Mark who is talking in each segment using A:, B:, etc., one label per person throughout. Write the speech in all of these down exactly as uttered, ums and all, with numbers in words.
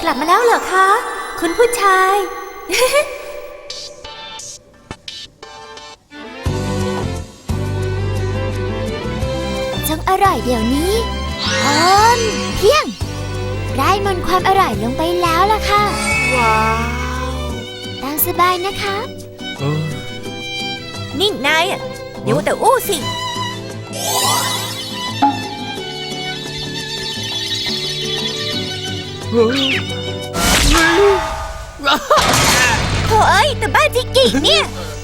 A: กลับมาแล้วเหรอคะคุณผู้ชาย จงอร่อยเดี๋ยวนี้อมเพียงไร้มนต์ความอร่อยลงไปแล้วล่ะค่ะว้าวตามสบายนะคะ
B: นิ่งนายอ่ะอย่าแต่อู้สิโถ่เอ้ยแต่บ้าจิกิเนี่ย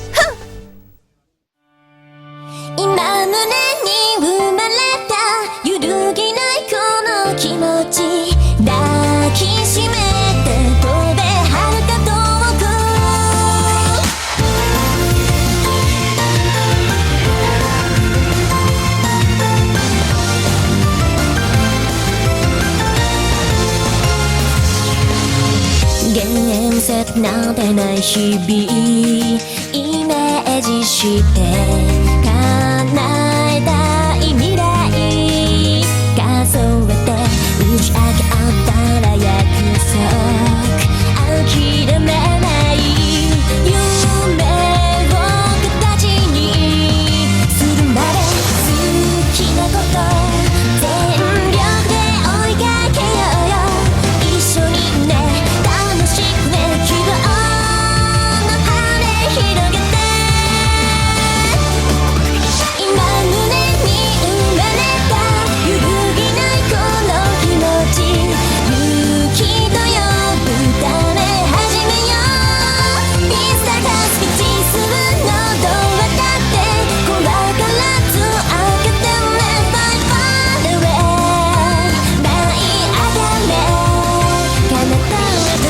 B: 今胸に生まれた揺るぎないこの気持ち抱きしめて飛べ遥か遠く現実なんてない日々イメージして叶えたい未来数えて打ち明け合ったら約束諦めない夢を形にするまで好きなこと全力で追いかけようよ一緒にね楽しくね希望の羽広げて今胸に生まれた揺るぎないこの気持ち勇気と呼ぶため始めよういつかスピーチするのどうわかって怖がらず開けてね Fly far away 舞い上がれ彼方へ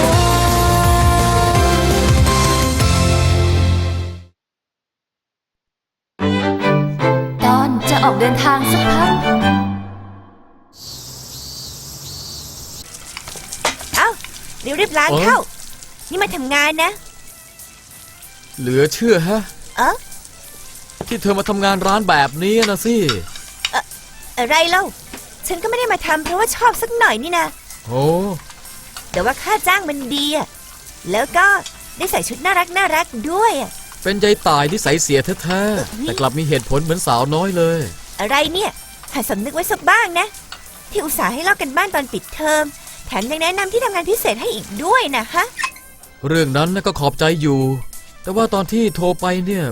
A: ตอนจะออกเดินทางสักพัก
B: เอ้ารีบๆล้างเข้านี่มาทำงานนะ
C: เหลือเชื่อฮะ
B: เอ๊ะ
C: ที่เธอมาทำงานร้านแบบนี้นะสิ
B: เอ่ออะไรเล่าฉันก็ไม่ได้มาทำเพราะว่าชอบสักหน่อยนี่นะ
C: โอ้
B: แต่ว่าค่าจ้างมันดีอะแล้วก็ได้ใส่ชุดน่ารักน่ารักด้วยอะ
C: เป็นยายตายที่ใสเสียแท้ๆแต่กลับมีเหตุผลเหมือนสาวน้อยเลย
B: อะไรเนี่ยหัดสำนึกไว้สักบ้างนะที่อุตส่าห์ให้ลอกกันบ้านตอนปิดเทอมแถมยังแนะนำที่ทำงานพิเศษให้อีกด้วยนะฮะ
C: เรื่องนั้นก็ขอบใจอยู่แต่ว่าตอนที่โทรไปเนี่ย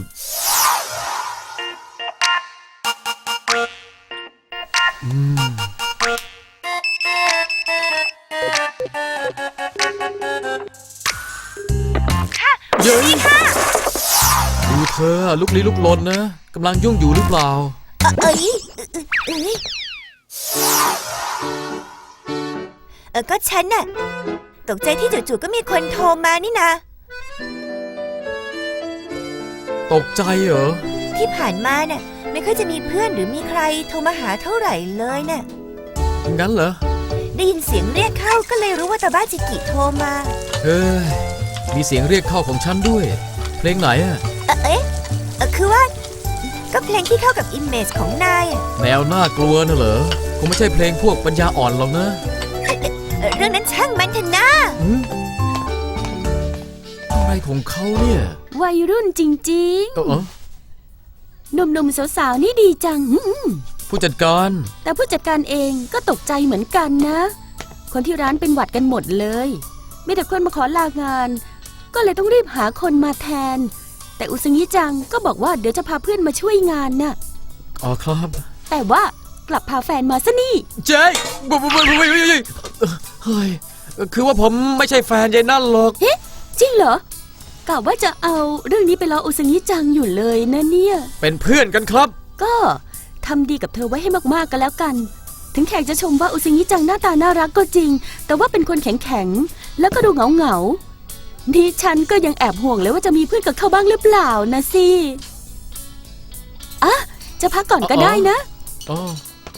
C: อืม
B: เย้ยค่ะ
C: ดูเธอลุกลี้ลุกลนนะกำลังยุ่งอยู่หรือเปล่า
B: เอ้ยเอ้ยเออก็ฉันน่ะตกใจที่จู่ๆก็มีคนโทรมานี่นะ
C: ตกใจเหรอ
B: ที่ผ่านมาน่ะไม่ค่อยจะมีเพื่อนหรือมีใครโทรมาหาเท่าไหร่เลยน่ะ
C: งั้นเหรอ
B: ได้ยินเสียงเรียกเข้าก็เลยรู้ว่าตาบ้าจิกิโทรมา
C: เฮ้ยมีเสียงเรียกเข้าของฉันด้วยเพลงไหนอะ
B: เอ๊ะคือว่าก็เพลงที่เข้ากับอิมเมจของนาย
C: แนวน่ากลัวน่ะเหรอคงไม่ใช่เพลงพวกปัญญาอ่อนหรอกนะ
B: เรื่องนั้นช่างมันเถอะนะ
C: อะไรของเขาเนี่ย
A: วัยรุ่นจริงๆหนุ่มๆสาวๆนี่ดีจัง
C: ผู้จัดการ
A: แต่ผู้จัดการเองก็ตกใจเหมือนกันนะคนที่ร้านเป็นหวัดกันหมดเลยมีแต่คนมาขอลางานก็เลยต้องรีบหาคนมาแทนแต่อุซึงิจังก็บอกว่าเดี๋ยวจะพาเพื่อนมาช่วยงานน่ะ
C: อ๋อครับ
A: แต่ว่ากลับพาแฟนมาซะนี่
C: เจ๊บุบบุบบุบเฮ้ยคือว่าผมไม่ใช่แฟนยายนั่นหรอก
A: เฮ้จริงเหรอกะว่าจะเอาเรื่องนี้ไปล้ออุซึงิจังอยู่เลยนะเนี่ย
C: เป็นเพื่อนกันครับ
A: ก็ทำดีกับเธอไว้ให้มากๆกันแล้วกันถึงแขกจะชมว่าอุซึงิจังหน้าตาน่ารักก็จริงแต่ว่าเป็นคนแข็งๆแล้วก็ดูเหงาๆดิฉันก็ยังแอบห่วงเลยว่าจะมีเพื่อนกับเขาบ้างหรือเปล่านะสิอ่ะจะพักก่อนก็ได้นะ
C: อ๋อ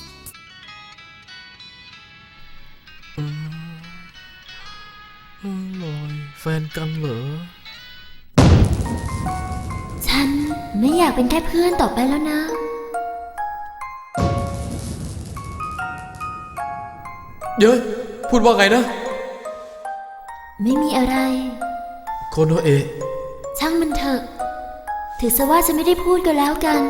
C: ลอยแฟนกันเหรอ
A: ฉันไม่อยากเป็นแค่เพื่อนต่อไปแล้วนะ
C: เย้ยพูดว่าไงนะ
B: ไม่มีอะไร
C: โคโนเอะ
B: ช่างมันเถอะ ถือซะว่าฉันไม่ได้พูดก็แล้วกัน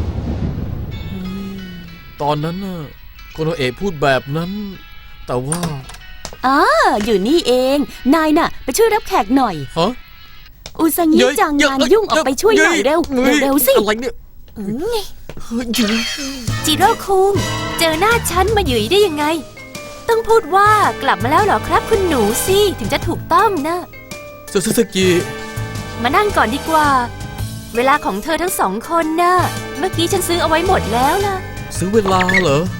C: ตอนนั้นน่ะโคโนเอะพูดแบบนั้น แต่ว่า
A: อ๋ออยู่นี่เอง นายน่ะ ไปช่วยรับแขกหน่อย
C: ฮะ
A: อุซังิจังงานยุ่งออกไปช่วยหน่อยเร็ว เร็วๆสิ
C: อะไรเนี่ยเฮ้ย
B: จิโร่คุง เจอหน้าฉันมาหยุยได้ยังไง ต้องพูดว่ากลับมาแล้วเหรอครับคุณหนูสิ ถึงจะถูกต้องนะ
C: ซูซูซูกิ
B: มานั่งก่อนดีกว่า เวลาของเธอทั้งสองคนน่ะ เมื่อกี้ฉันซื้อเอาไว้หมดแล้วล่ะ
C: ซื้อเวลาเหรอ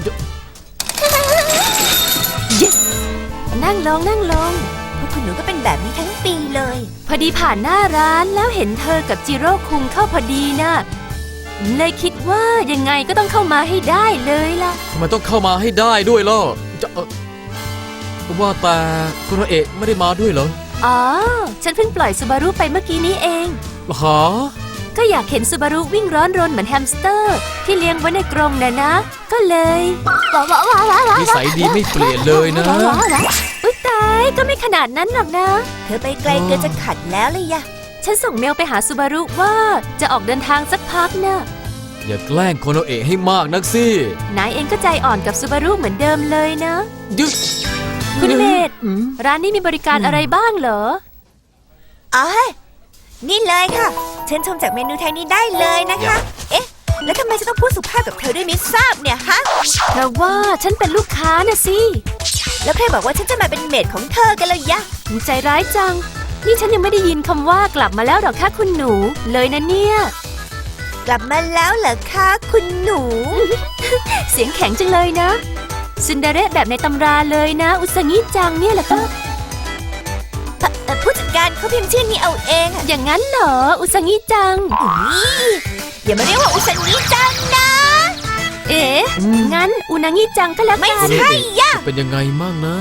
B: yes นั่งลงนั่งลงพวกคุณหนูก็เป็นแบบนี้ทั้งปีเลย พอดีผ่านหน้าร้านแล้วเห็นเธอกับจิโร่คุงเข้าพอดีนะเลยคิดว่ายังไงก็ต้องเข้ามาให้ได้เลยล่ะ
C: ทำไมต้องเข้ามาให้ได้ด้วยล่ะจะเอ่อว่าแต่โคโนเอะไม่ได้มาด้วยเหรอ
B: อ๋อ ฉันเพิ่งปล่อยซูบารุไปเมื่อกี้นี้เอง
C: หา
B: ก็อยากเห็นซูบารุวิ่งร้อนรนเหมือนแฮมสเตอร์ ที่เลี้ยงไว้ในกรงนะนะ ก็เลยว้าวว้าวว้าวว้าว
C: นิสัยดีไม่เปลี่ยนเลยนะ
B: อุ๊ยตายก็ไม่ขนาดนั้นหรอกนะ เธอไปไกลเกินจะขัดแล้วเลยยะ ฉันส่งเมลไปหาซูบารุว่าจะออกเดินทางสักพักนะ
C: อย่าแกล้งโคโนเอะให้มากนักสิ
B: นายเองก็ใจอ่อนกับซูบารุเหมือนเดิมเลยนะ
C: ยึด
B: คุณเมธ
C: อืม
B: ร้านนี้มีบริการอะไรบ้างเหรอ
D: อ๋อ นี่เลยค่ะ เชิญชมจากเมนูไทยนี้ได้เลยนะคะ เอ๊ะ แล้วทำไมจะต้องพูดสุภาพกับเธอด้วยไม่ทราบเนี่ยฮะ
B: เพราะว่าฉันเป็นลูกค้านะสิ
D: แล้วใครบอกว่าฉันจะมาเป็นเมดของเธอกันเลยยะ
B: ใจร้ายจัง นี่ฉันยังไม่ได้ยินคำว่ากลับมาแล้วหรอกค่ะคุณหนู เลยนะเนี่ย
D: กลับมาแล้วเหรอคะคุณหนู
B: เสียงแข็งจังเลยนะซินเดอเรลแบบในตำราเลยนะ อุสงิจังเนี่ยแหละก็
D: เอ่อเอ่อผู้จัดการเขาพิมพ์ชื่อนี้เอาเองอะ
B: อย่างนั้นเหรอ อุสงิจัง
D: อุ๊ยอย่ามาเรียกว่าอุสันนี้จังนะ
B: เอ๊ะ งั้นอุนางิจังก็แล้ว
D: ไม่
B: กัน
D: ใช่ยะ
C: จะเป็นยังไงมั่งนะ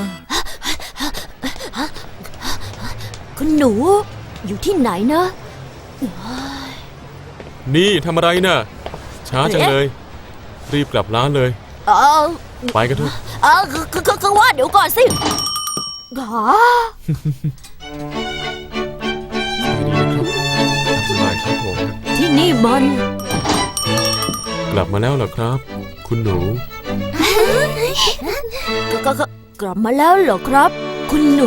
B: คุณหนู อยู่ที่ไหนนะ
E: นี่ทำอะไรน่ะ ช้าจังเลย รีบกลับร้านเลย
B: เออ
E: ไปกันเถอะ
B: เออคือคือคือว่าเดี๋ยวก่อนสิหรอ
E: สบายครับผม
B: ที่นี่มัน
E: กลับมาแล้วเหรอครับ คุณหนู
B: ก็ก็ก็กลับมาแล้วเหรอครับ คุณหนู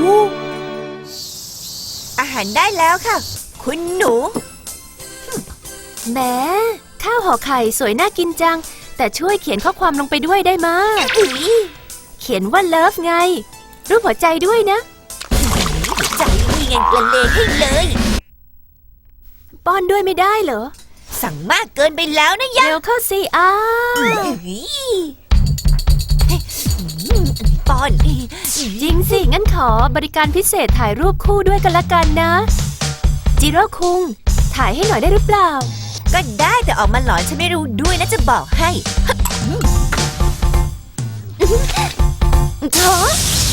D: อาหารได้แล้วค่ะ คุณหนู
B: แหมข้าวห่อไข่สวยน่ากินจัง แต่ช่วยเขียนข้อความลงไปด้วยได้ไหม
D: อุ๊ย
B: เขียนว่าเลิฟไง รูปหัวใจด้วยนะ
D: ใจนี่ไงละเลงให้เลย
B: ป้อนด้วยไม่ได้เหรอ
D: สั่งมากเกินไปแล้วนะยะ
B: เร็วเข้าสิอ้า
D: อุ๊ยเฮ้ยอืมปอน
B: จริงสิ งั้นขอบริการพิเศษถ่ายรูปคู่ด้วยกันละกันนะ จิโร่คุง ถ่ายให้หน่อยได้หรือเปล่า
D: ก็ได้แต่ออกมาหลอนฉันไม่รู้ด้วยนะจะบอกให้
B: เถอะ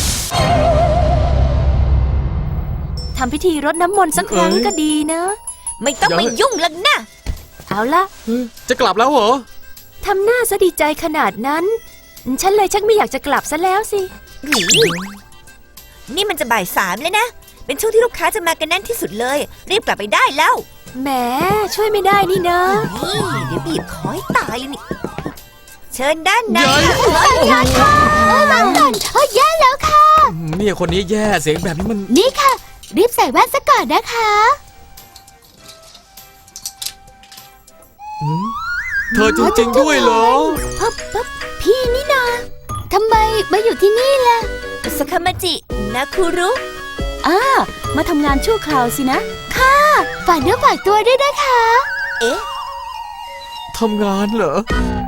B: ทำพิธีรดน้ำมนต์สักครั้ง
C: เอ้ย
B: ก็ดีนะ
D: ไม่ต้องมายุ่งแล้วนะ
B: เอาละ
C: จะกลับแล้วเหรอ
B: ทำหน้าซะดีใจขนาดนั้น ฉันเลยชักไม่อยากจะกลับซะแล้วสิ
D: หือนี่มันจะบ่ายสามแล้วนะ เป็นช่วงที่ลูกค้าจะมากันแน่นที่สุดเลย รีบกลับไปได้แล้ว
B: แหมช่วยไม่ได้นี่นะ
D: นี่เดี๋ยวบีบคอให้ตายเลยนี่ เชิญด้านใน
C: เย้ย
D: ค่ะ
B: แย่แล้วค่ะ
C: เนี่ยคนนี้แย่เสียงแบบนี้มัน
B: นี่ค่ะ รีบใส่แว่นซะก่อนนะคะ
C: หืมเธอจริงๆด้วยเหรอ
B: ปั๊บปั๊บพี่นี่นาทำไมมาอยู่ที่นี่ล่ะ
D: สคามาจินาคุรุ
A: อ่า มาทำงานชั่วคราวสินะ
B: ฝากเนื้อฝากตัวด้วยนะคะ
D: เอ๊ะ
C: ทำงานเหรอ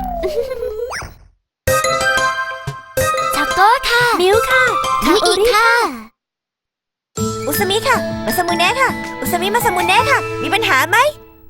B: ทาโก้ค่ะ มิวค่ะคาโอริค่ะ
D: อุสมิค่ะ มาสมุเนะค่ะ อุสมิมาสมุเนะค่ะ มีปัญหาไหม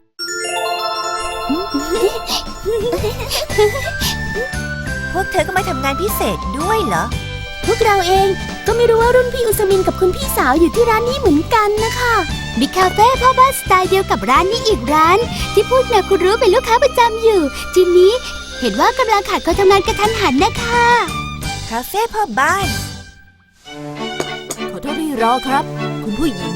D: พวกเธอก็มาทำงานพิเศษด้วยเหรอ
A: พวกเราเองก็ไม่รู้ว่ารุ่นพี่อุสมินกับคุณพี่สาวอยู่ที่ร้านนี้เหมือนกันนะคะ
F: มีคาเฟ่พ่อบ้านสไตล์เดียวกับร้านนี้อีกร้าน ที่พูดนาคุรุเป็นลูกค้าประจำอยู่ ทีนี้เห็นว่ากำลังขาดคนทำงานกระทันหันนะคะ
D: คาเฟ่พ่อบ้าน ข
G: อโทษที่รอครับ คุณผู้หญิง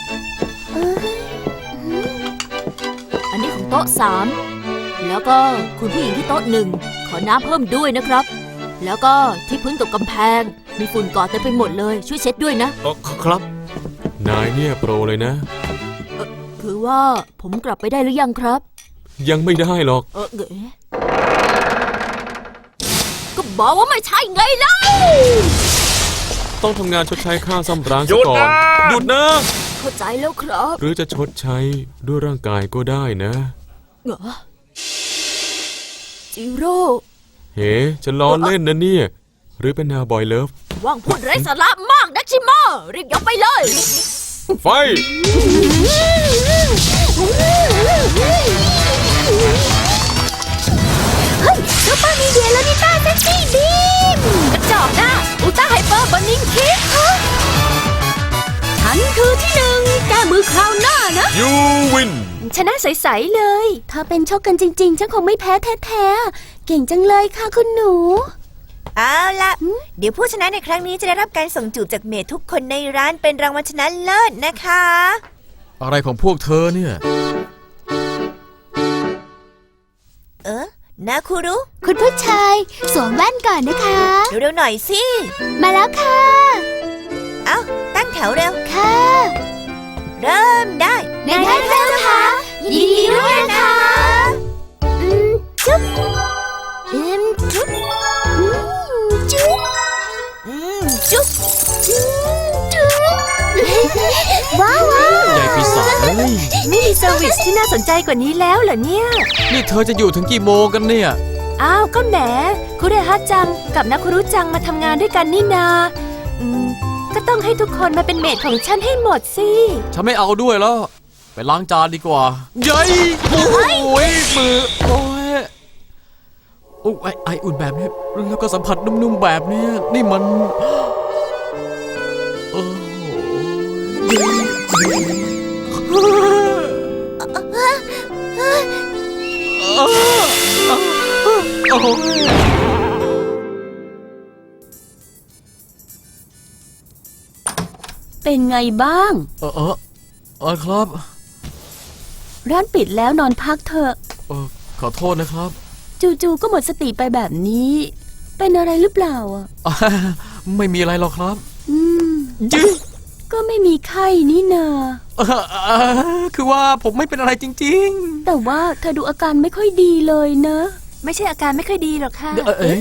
G: อันนี้ของโต๊ะสามแล้วก็คุณผู้หญิงที่โต๊ะหนึ่งขอน้ำเพิ่มด้วยนะครับ แล้วก็ที่พื้นกับกำแพง มีฝุ่นเกาะเต็มไปหมดเลยช่วยเช็ดด้วยนะ
E: เออครับ นายเนี่ยโปรเลยนะ
G: คือว่าผมกลับไปได้หรือยังครับ
E: ยังไม่ได้หรอก
G: เออเก๋ก็บอกว่าไม่ใช่ไงเล่า
E: ต้องทำงานชดใช้ค่าซ่อมร้านซะก่อน หยุดนะ
G: เข้าใจแล้วครับ
E: หรือจะชดใช้ด้วยร่างกายก็ได้นะ
G: เหรอจิโร่
E: เฮ้จะล้อเล่นนะเนี่ย หรือเป็นแนวบอยเลิฟ
G: ว่างพูดไร้สาระมากนะชิโมรีบยกไปเลย
E: ไฟ
F: ซุปเปอร์มีเดียแล้วนิต้าเซ็กซี่บีม
G: กระจอกหน้าอุลตร้าไฮเปอร์บันนิงคิก
A: ฉันคือที่หนึ่งแก้มือคราวหน้านะ
E: ยูวิน
G: ชนะใสๆเลย
A: ถ้าเป็นชกกันจริงๆ ฉันคงไม่แพ้แท้ๆ เก่งจังเลยค่ะคุณหนู
D: เอาละเดี๋ยวผู้ชนะในครั้งนี้จะได้รับการส่งจูบจากเมดทุกคนในร้านเป็นรางวัลชนะเลิศนะคะ
C: อะไรของพวกเธอเนี่ย
D: เออนาคุรุ
F: คุณผู้ชายสวมแว่นก่อนนะคะ
D: เร็วๆหน่อยสิ
F: มาแล้วค่ะ
D: เอ้าตั้งแถวเร็ว
F: ค่ะ
D: เริ่มได้
F: ในท่านเจ้าค่ะยินดีด้วยนะคะอืมจุ๊บอืมจุ๊บอืมจุ๊บ
D: อืมจุ๊บ
F: อืมจุ๊บว้าวว้าว
C: ใหญ่ปีศาจเอ้ย
G: ไม่มีเซอร์วิสที่น่าสนใจกว่านี้แล้วเหรอเนี่ย
C: นี่เธอจะอยู่ถึงกี่โมงกันเนี่ย
G: อ้าวก็แหมคุเรฮะจังกับนาคุรุจังมาทำงานด้วยกันนี่นาอืมก็ต้องให้ทุกคนมาเป็นเมดของฉันให้หมดสิ
C: ฉันไม่เอาด้วยแล้ว ไปล้างจานดีกว่าเย้ยโอ้ยมือ โอ้ยโอ้ยไอไออุ่นแบบนี้ แล้วก็สัมผัสนุ่มๆแบบนี้ นี่มันโอ้ย
A: เป็นไงบ้าง
C: เออเออเออครับ
A: ร้านปิดแล้วนอนพักเถอะ
C: เออขอโทษนะครับ
A: จู่ๆก็หมดสติไปแบบนี้ เป็นอะไรหรือเปล่าอ่ะ
C: อ่าไม่มีอะไรหรอกครับ
A: อืม
C: ยืด
A: ก็ไม่มีไข้นี่นา
C: เอ่อเอ่อคือว่าผมไม่เป็นอะไรจริง
A: แต่ว่าเธอดูอาการไม่ค่อยดีเลยนะ
G: ไม่ใช่อาการไม่ค่อยดีหรอกค่ะ
C: ๆ เอ่อเอ๊ะ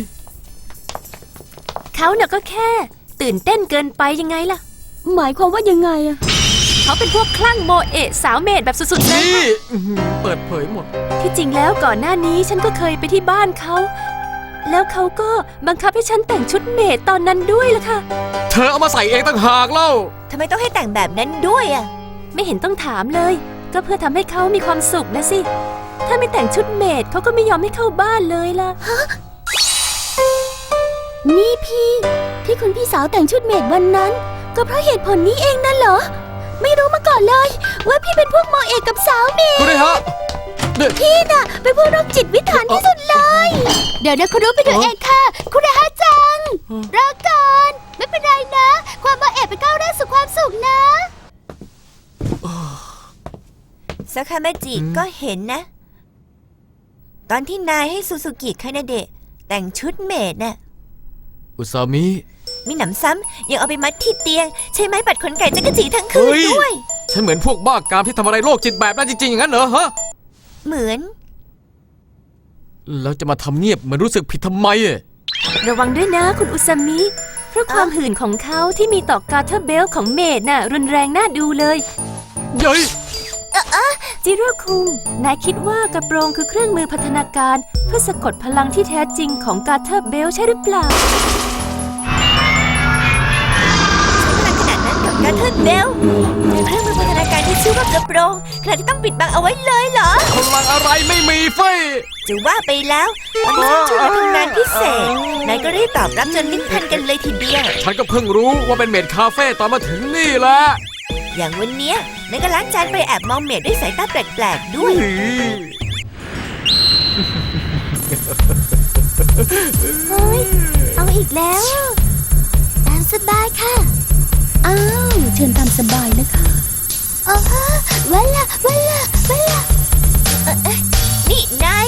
G: เขาน่ะก็แค่ ตื่นเต้นเกินไปยังไงล่ะ
A: หมายความว่ายังไงอะ
G: เขาเป็นพวกคลั่งโมเอะสาวเมดแบบสุดๆเลย
C: นี่อื้อหือเปิดเผยหมด
G: ที่จริงแล้วก่อนหน้านี้ฉันก็เคยไปที่บ้านเขา แล้วเขาก็บังคับให้ฉันแต่งชุดเมดตอนนั้นด้วยล่ะค่ะ
C: เธอเอามาใส่เองต่างหากเล่า
D: ทำไมต้องให้แต่งแบบนั้นด้วยอ่ะ
G: ไม่เห็นต้องถามเลย ก็เพื่อทำให้เขามีความสุขนะสิ ถ้าไม่แต่งชุดเมดเขาก็ไม่ยอมให้เข้าบ้านเลยล่ะ
A: นี่พี่ ที่คุณพี่สาวแต่งชุดเมดวันนั้น ก็เพราะเหตุผลนี้เองนั่นเหรอ ไม่รู้มาก่อนเลย ว่าพี่เป็นพวกโมเอกกับสาวเมด
C: คุณเลยฮะเนี่ย
A: พี่น่ะเป็นพวกโรคจิตวิถานที่สุดเลย
F: เดี๋ยวนะคุณรู้ไปดูเองค่ะ คุณอาจังรอก่อน ไม่เป็นไรนะ ความมาแอบไปก้าวแรกสู่ความสุขนะ
D: สาคามาจิก็เห็นนะ ตอนที่นายให้ซูซูกิคานาเดะแต่งชุดเมดน่ะ
C: อุซามิ
D: มีหนำซ้ำยังเอาไปมัดที่เตียง ใช้ไม้ปัดขนไก่จักรจีทั้งคืน
C: เฮ้ย
D: ด้วย
C: ฉันเหมือนพวกบ้ากามที่ทำอะไรโรคจิตแบบนั้นจริงๆอย่างนั้นเหรอฮะ
D: เหมือน
C: แล้วจะมาทำเงียบเหมือนรู้สึกผิดทำไมอะ
G: ระวังด้วยนะคุณอุซามิ เพราะความหื่นของเขาที่มีต่อการ์เทอร์เบลของเมดน่ะรุนแรงน่าดูเลย
C: เย้ย
G: จิโร่คุง นายคิดว่ากระโปรงคือเครื่องมือพัฒนาการเพื่อสะกดพลังที่แท้จริงของการ์เทอร์เบลใช่หรือเปล่า
D: พลังขนาดนั้นกับการเทิร์นเบลเครื่องมือพัฒนาการที่ชื่อว่ากระโปรงขนาดที่ต้องปิดบังเอาไว้เลยเหรอ
C: พลังอะไรไม่มีเฟ้ย
D: จะว่าไปแล้วตอนที่ฉันชวนมาทำงานพิเศษ นายก็รีบตอบรับจนลิ้นพันกันเลยทีเดียว
C: ฉันก็เพิ่งรู้ว่าเป็นเมดคาเฟ่ตอนมาถึงนี่แหละ
D: อย่างวันเนี้ยนายก็ล้างจานไปแอบมองเมดด้วยสายตาแปลกๆด้วย
F: เฮ้ย เอาอีกแล้วตามสบายค่ะ
A: อ้าว เชิญตามสบายนะคะ
F: อ๋อเวลาเวลาเวลา
D: นี่นาย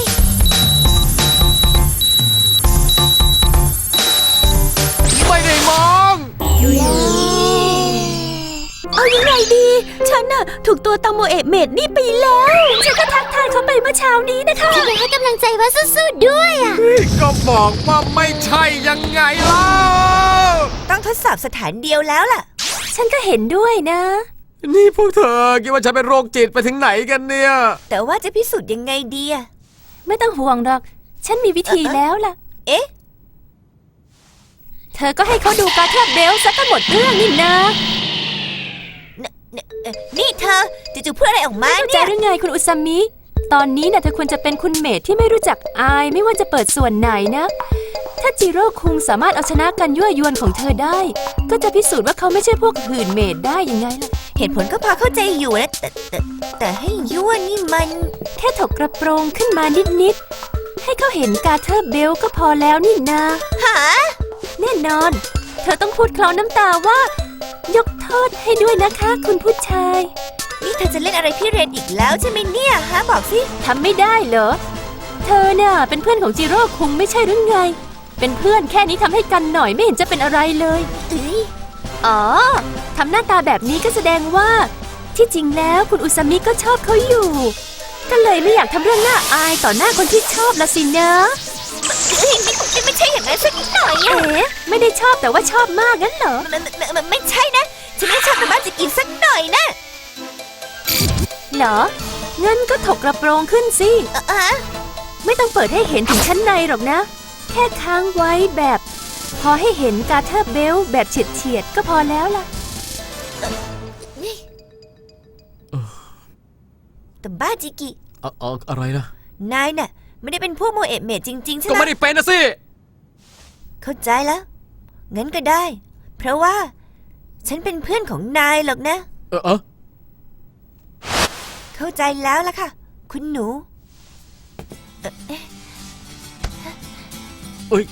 C: ไม่ได้มอง
A: เอายังไงดี ฉันน่ะถูกตัวตังโมเอะเมดนี่ไปแล้ว ฉันก็ทักทายเขาไปเมื่อเช้านี้นะคะ
F: ฉันอยากให้กำลังใจว่าสู้ๆด้วยอ่ะ
C: ก็บอกว่าไม่ใช่ยังไงเล่า
D: ต้องทดสอบสถานเดียวแล้วล่ะ
A: ฉันก็เห็นด้วยนะ
C: นี่พวกเธอคิดว่าฉันเป็นโรคจิตไปถึงไหนกันเนี่ย
D: แต่ว่าจะพิสูจน์ยังไงดีอะ
A: ไม่ต้องห่วงหรอก ฉันมีวิธีแล้วล่ะ
D: เอ๊ะ
A: เธอก็ให้เขาดูการเทบเบลซะก็หมดเรื่องนี่นะ
D: เอ่อนี่เธอจู่ๆพูดอะไรออกมา
A: เข้าใจ
D: เนี่ย
A: หรือไงคุณอุซามิ ตอนนี้น่ะเธอควรจะเป็นคุณเมดที่ไม่รู้จักอายไม่ว่าจะเปิดส่วนไหนนะ ถ้าจิโร่คุงสามารถเอาชนะกันยั่วยวนของเธอได้ ก็จะพิสูจน์ว่าเขาไม่ใช่พวกหื่นเมดได้ยังไงล่ะ
D: เหตุผลก็พอเข้าใจอยู่นะแต่แต่แต่ให้ยั่วนี่มัน
A: แค่ถกกระโปรงขึ้นมานิดๆ ให้เขาเห็นการเทอร์เบลก็พอแล้วนี่นา
D: หา
A: แน่นอน เธอต้องพูดเคลาน้ำตาว่า ยกโทษให้ด้วยนะคะคุณผู้ชาย
D: นี่เธอจะเล่นอะไรพี่เรนอีกแล้วใช่ไหมเนี่ยฮะบอกสิ
A: ทำไม่ได้เหรอ เธอน่ะเป็นเพื่อนของจิโร่คุงไม่ใช่หรือไง เป็นเพื่อนแค่นี้ทำให้กันหน่อยไม่เห็นจะเป็นอะไรเลย
D: เอ้ย
A: อ๋อ ทำหน้าตาแบบนี้ก็แสดงว่า ที่จริงแล้วคุณอุซามิก็ชอบเขาอยู่ ก็เลยไม่อยากทำเรื่องน่าอายต่อหน้าคนที่ชอบละสินะ
D: เอ้ยนี่นี่ไม่ใช่อย่างนั้นสักหน่อยอะ
A: เอ๊ะ ไม่ได้ชอบแต่ว่าชอบมากงั้นเหรอ
D: มันมันมันมันไม่ใช่นะ ฉันไม่ชอบแต่บ้านจะกินสักหน่อยนะ
A: เหรอ งั้นก็ถกกระโปรงขึ้นสิ
D: เอ่อเอ่อ
A: ไม่ต้องเปิดให้เห็นถึงชั้นในหรอกนะ แค่ค้างไว้แบบ พอให้เห็นการเทอร์เบลแบบเฉียดๆก็พอแล้วล่ะ
D: นี่แต่บ้าจิกิ
C: เอ่อเอ่ออะไรล่ะ
D: นายน่ะไม่ได้เป็นพวกโมเอะเมดจริงๆใช่
C: ก็
D: ไหม
C: ไม่ได้เป็นนะสิ
D: เข้าใจแล้ว งั้นก็ได้ เพราะว่า ฉันเป็นเพื่อนของนายหรอกนะ
C: เออเออ
D: เข้าใจแล้วล่ะค่ะ คุณหนูเอ่อเอ๊ะ
C: เอ้ย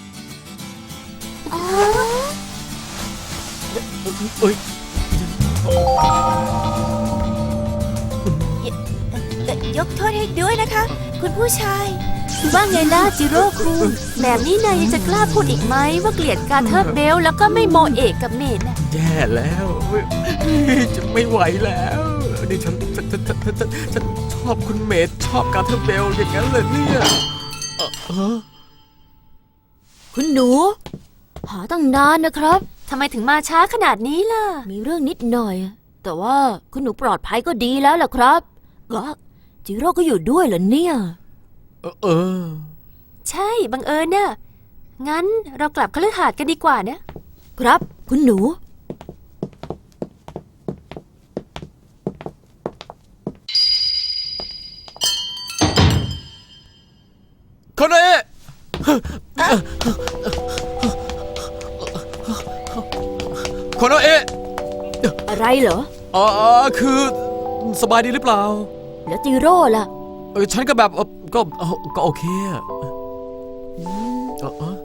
C: เอ้ย
D: เอ่อยกโทษให้ด้วยนะคะ คุณผู้ชาย
A: ว่าไงล่ะจิโร่คุงแบบนี้นายยังจะกล้าพูดอีกไหมว่าเกลียดการเทอร์เบลแล้วก็ไม่โมเอกกับเมดน่ะ
C: แย่แล้วจะไม่ไหวแล้วนี่ฉันฉันฉันฉันฉันฉันฉันชอบคุณเมดชอบการเทอร์เบลอย่างนั้นเลยเนี่ยเออเออ
G: คุณหนู หาตั้งนานนะครับ
A: ทำไมถึงมาช้าขนาดนี้ล่ะ
G: มีเรื่องนิดหน่อย แต่ว่าคุณหนูปลอดภัยก็ดีแล้วล่ะครับก็จิโร่ก็อยู่ด้วยเหรอเนี่ย
C: เออเออ
A: ใช่ บังเอิญน่ะ งั้นเรากลับคฤหาสน์กันดีกว่านะ
G: ครับคุณหนู
C: คนเอะคนเอะ
G: อะไรเหรอ
C: อ๋อคือสบายดีหรือเปล่า
G: แล้วจิโร่ล่ะ
C: เออฉันก็แบบเออก็เออก็โอเคอะเออเออ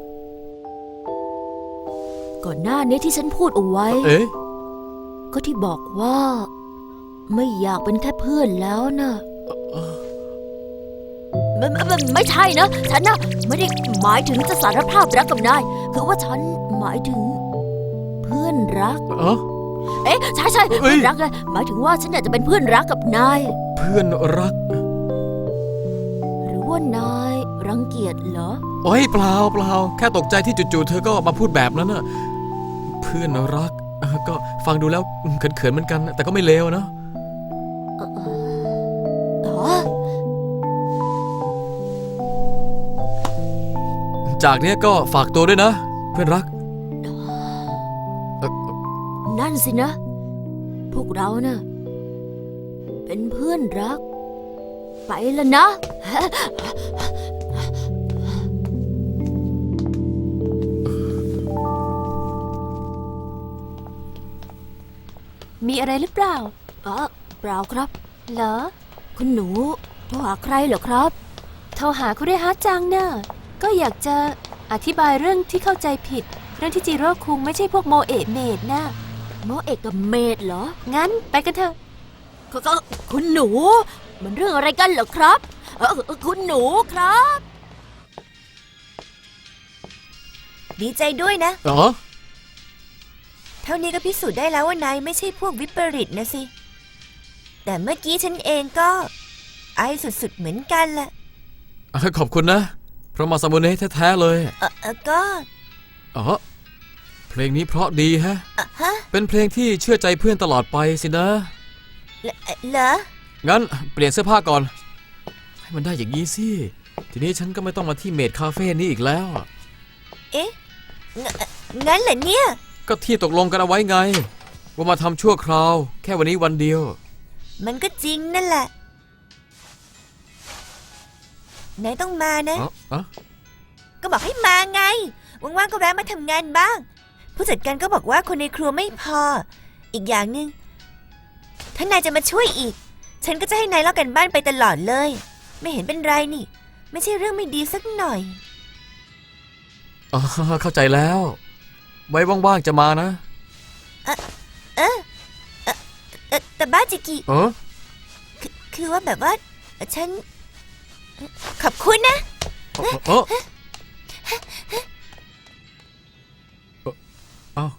G: ก่อนหน้านี้ที่ฉันพูดเอาไว้
C: เอ๊ะ
G: ก็ที่บอกว่า ไม่อยากเป็นแค่เพื่อนแล้วนะไม่ไม่ไม่ไม่ใช่นะ ฉันนะไม่ได้หมายถึงจะสารภาพรักกับนาย คือว่าฉันหมายถึง เพื่อนรัก
C: เออ
G: เอ๊ะใช่ใช่
C: เอ้
G: เพื่
C: ย
G: อนรักไงหมายถึงว่าฉันอยากจะเป็นเพื่อนรักกับนาย
C: เพื่อนรัก
G: หรือว่านายรังเกียจเหรอ
C: โอ้ยเปล่าเปล่าแค่ตกใจที่จู่ๆเธอก็มาพูดแบบนั้นน่ะเพื่อนรักเออก็ฟังดูแล้วเขินๆเหมือนกัน แต่ก็ไม่เลวนะ
G: อ๋อ
C: จากเนี้ยก็ฝากตัวด้วยนะ เพื่อนรักเอ่อ
G: นั่นสินะ พวกเราเนะ่ะเป็นเพื่อนรัก ไปแล้วนะ
A: มีอะไรหรือเปล่า
G: อ๋อเปล่าครับ
A: เหรอ
G: คุณหนูโทรหาใครเหรอครับ
A: โทรหาคุเรฮะจังน่ะ ก็อยากจะอธิบายเรื่องที่เข้าใจผิด เรื่องที่จิโร่คุงไม่ใช่พวกโมเอะเมดน่ะ
G: โมเอกกับเมดเหรอ
A: งั้นไปกันเถอะ
G: ก็ก็คุณหนู มันเรื่องอะไรกันเหรอครับเออเออคุณหนูครับ
D: ดีใจด้วยนะ
C: อ๋อ
D: เท่านี้ก็พิสูจน์ได้แล้วว่านายไม่ใช่พวกวิปริตนะสิ แต่เมื่อกี้ฉันเองก็ ไอสุดๆเหมือนกันแหละ
C: ขอบคุณนะ เพราะมาซามูเนะแท้ๆเลย
D: เออเออก็
C: อ๋อ เพลงนี้เพราะดีฮะ
D: อ่ะฮะ
C: เป็นเพลงที่เชื่อใจเพื่อนตลอดไปสินะ
D: เหรอเหรอ
C: งั้นเปลี่ยนเสื้อผ้าก่อน ให้มันได้อย่างนี้สิ ทีนี้ฉันก็ไม่ต้องมาที่เมดคาเฟ่นี้อีกแล้ว
D: เอ๊ะงงั้นเหรอเนี่ย
C: ก็ที่ตกลงกันเอาไว้ไง ว่ามาทำชั่วคราว แค่วันนี้วันเดียว
D: มันก็จริงนั่นแหละ นายต้องมานะ
C: อ๋ออ๋อ
D: ก็บอกให้มาไง ว่างๆก็แวะมาทำงานบ้าง ผู้จัดการก็บอกว่าคนในครัวไม่พอ อีกอย่างหนึ่งถ้านายจะมาช่วยอีก ฉันก็จะให้นายเล่ากันบ้านไปตลอดเลย ไม่เห็นเป็นไรนี่ ไม่ใช่เรื่องไม่ดีสักหน่อย
C: อ๋อเข้าใจแล้ว ไว้ว่างๆจะมานะ
D: เออเออเออแต่บ้าจิกิ
C: เออ
D: คือคือว่าแบบว่า ฉัน ขอบคุณนะ
C: เออเออเอ้า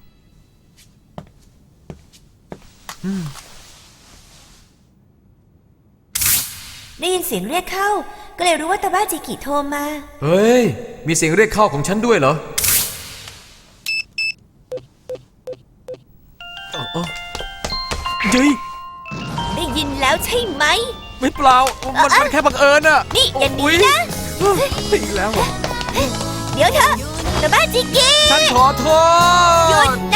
C: อืม
D: ได้ยินเสียงเรียกเข้า ก็เลยรู้ว่าตาบ้าจิกิโทรมา
C: เฮ้ย มีเสียงเรียกเข้าของฉันด้วยเหรออ๋ออ๋อเฮ้ย
D: ได้ยินแล้วใช่ไหม
C: ไม่เปล่า มันมันแค่บังเอิญอะ
D: นี่อย่าหนีนะ
C: โอ้ยอีกแล้วเหรอ
D: เดี๋ยวเถอะตาบ้าจิกิ
C: ฉันขอโท
D: หยุ
C: ษ
D: ดนะ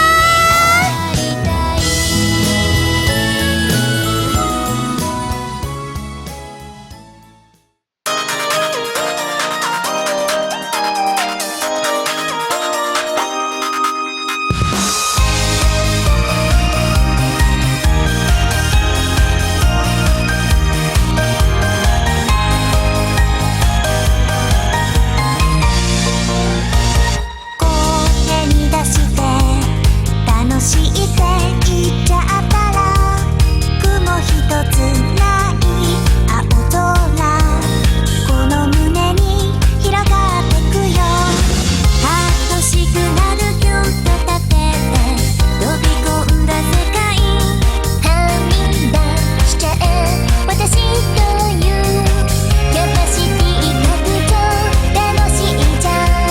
B: 声に出して楽しいって言っちゃったら雲一つない青空この胸に広がってくよ楽しくなるキュンと立てて飛び込んだ世界はみ出しちゃえ私というキャパシティ拡張楽しいじゃん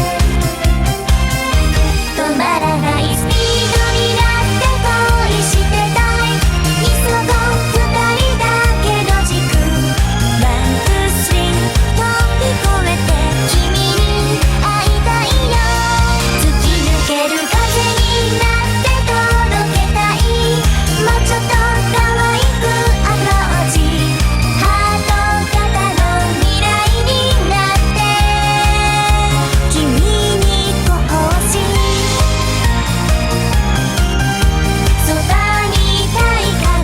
B: 止まらないスピードになって恋してたい急ごう二人だけの軸ワンツースリー飛び越えて君に会いたいよ突き抜ける風になって届けたいもうちょっと可愛くアプローチハート型の未来になって君にこうしそばにいたいから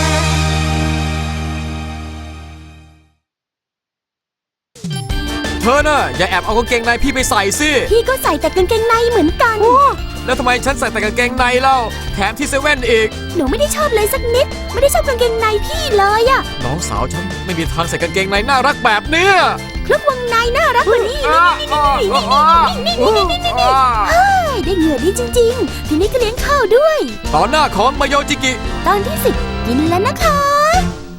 C: เธอน่ะอย่าแอบเอากางเกงในพี่ไปใส่สิ
A: พี่ก็ใส่แต่กางเกงในเหมือนกัน
C: แล้วทำไมฉันใส่แต่กางเกงในเล่า แถมที่เซเว่นอีก
A: หนูไม่ได้ชอบเลยสักนิด ไม่ได้ชอบกางเกงในพี่เลยอะ
C: น้องสาวฉันไม่มีทางใส่กางเกงในน่ารักแบบเนี้ย
A: เครื่องวงในน่ารักกว่านี้
C: อ่าอ่าอ่าอ่า
A: เฮ้ยได้เหงื่อดีจริงๆ ทีนี้ก็เลี้ยงข้าวด้วย
C: ต่อหน้าของมายโยจิกิ
A: ตอนที่สิบกินแล้วนะคะ